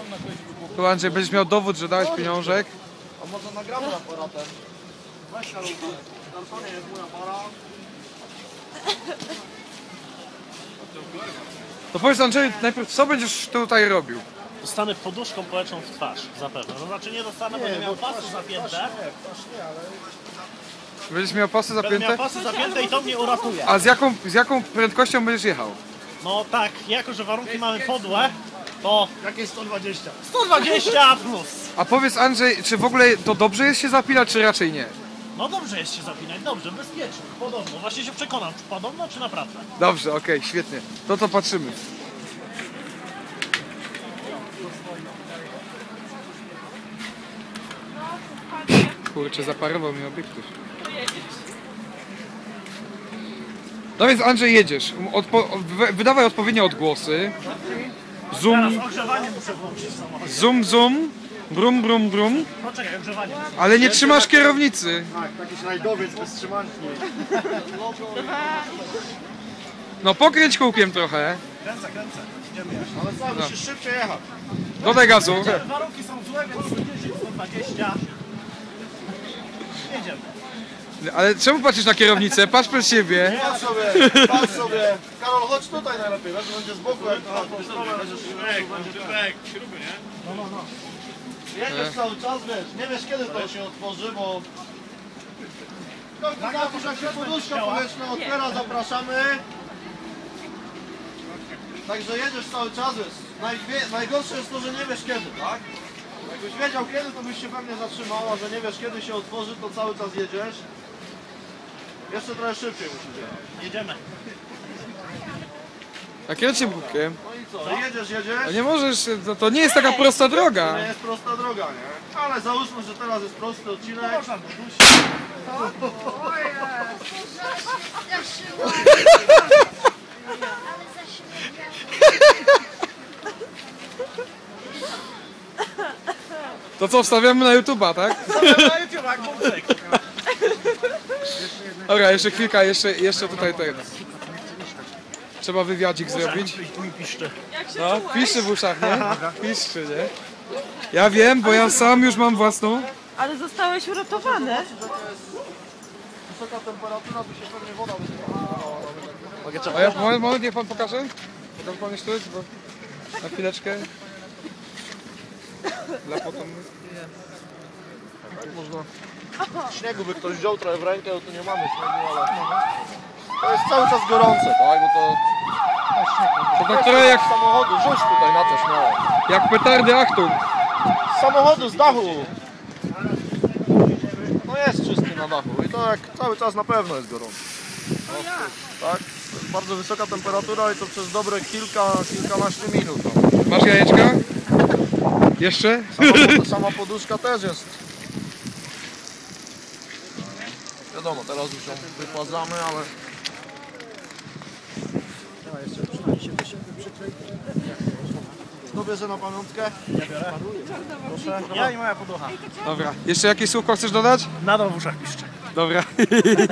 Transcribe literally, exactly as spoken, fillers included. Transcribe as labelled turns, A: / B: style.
A: Tu Andrzej, będziesz miał dowód, że dałeś pieniążek.
B: A może nagramy aparatem? Weź Karol, to nie jest mój aparat.
A: To powiedz Andrzej, najpierw co będziesz tutaj robił?
C: Dostanę poduszką poleczą w twarz, zapewne. No znaczy nie dostanę, bo nie miał pasy zapięte.
A: Będziesz miał pasy
C: Będę
A: zapięte?
C: miał pasy zapięte i to mnie uratuje.
A: A z jaką, z jaką prędkością będziesz jechał?
C: No tak, jako że warunki mamy podłe, to
B: Jakieś sto dwadzieścia.
C: sto dwadzieścia plus.
A: A powiedz Andrzej, czy w ogóle to dobrze jest się zapinać, czy raczej nie?
C: No dobrze jest się zapinać, dobrze, bezpiecznie, podobno. Właśnie się przekonam, czy podobno, czy naprawdę.
A: Dobrze, okej, okay, świetnie. To to patrzymy. Kurczę, zaparował mi obiektyw. No więc Andrzej, jedziesz. Odpo wydawaj odpowiednie odgłosy. Zoom,
C: Teraz ogrzewanie muszę włączyć w samochodzie.
A: zoom, zoom. Brum, brum, brum.
C: Poczekaj, ogrzewanie.
A: Ale nie trzymasz kierownicy.
B: Tak, taki slajdowiec bez trzymanki.
A: No pokręć kółkiem trochę.
C: Kręcę, kręcę. Idziemy jeszcze.
B: Ale co,
A: No.
B: musisz szybciej jechać.
A: Dodaj gazu.
C: Warunki są złe, więc sto dziesięć, sto dwadzieścia. Jedziemy.
A: Ale czemu patrzysz na kierownicę? Patrz przed siebie.
B: Patrz sobie, patrz sobie. Karol, chodź tutaj najlepiej, wiesz, będzie z boku, jak na tą stronę będziesz będzie
C: śruby, nie?
B: No, no, no. Jedziesz cały czas, wiesz, nie wiesz kiedy to się otworzy, bo... Zapisz, jak się poduszka powietrzna otwiera, zapraszamy. Także jedziesz cały czas, wiesz. Najwie, najgorsze jest to, że nie wiesz kiedy, tak? Jakbyś wiedział kiedy, to byś się pewnie zatrzymała, że nie wiesz kiedy się otworzy, to cały czas jedziesz. Jeszcze trochę szybciej musisz jechać.
C: Jedziemy.
A: A kręciem kółkiem.
B: No i co? Jedziesz, jedziesz.
A: A nie możesz, to, to nie jest taka prosta droga.
B: To nie jest prosta droga, nie? Ale załóżmy, że teraz jest prosty odcinek.
C: Można budusić.
A: To co, wstawiamy na YouTube'a, tak?
C: Na YouTube, jak wątek.
A: Dobra, jeszcze chwilka, jeszcze, jeszcze tutaj ten. Trzeba wywiadzik zrobić.
C: Tu mi piszczy.
A: No, piszczy w uszach, nie? Piszczy, nie? Ja wiem, bo ja sam już mam własną.
D: Ale zostałeś uratowany.
B: Wysoka temperatura, by się pewnie woda wysypała.
A: A ja, moment, moment, niech pan pokaże. Pokaż pan jeszcze, bo na chwileczkę. Dla potomnych.
B: Tak można. Śniegu by ktoś wziął trochę w rękę, bo tu nie mamy śniegu, ale... To jest cały czas gorące, tak? Bo to...
A: To tak trochę jak,
B: Z samochodu, rzuć tutaj na to śmiało.
A: jak petardy Achtung.
B: Z samochodu, z dachu. No jest czysty na dachu i to jak cały czas na pewno jest gorąco. No, tak? To jest bardzo wysoka temperatura i to przez dobre kilka, kilkanaście minut. No.
A: Masz jajeczka? Jeszcze?
B: Sama, sama poduszka też jest. Wiadomo, teraz już ją wypładzamy, ale... Kto bierze na pamiątkę?
C: Ja biorę.
B: Proszę.
C: Ja i moja poducha.
A: Dobra. Jeszcze jakieś słówko chcesz dodać?
C: Nadal w uszach piszczy.
A: Dobra.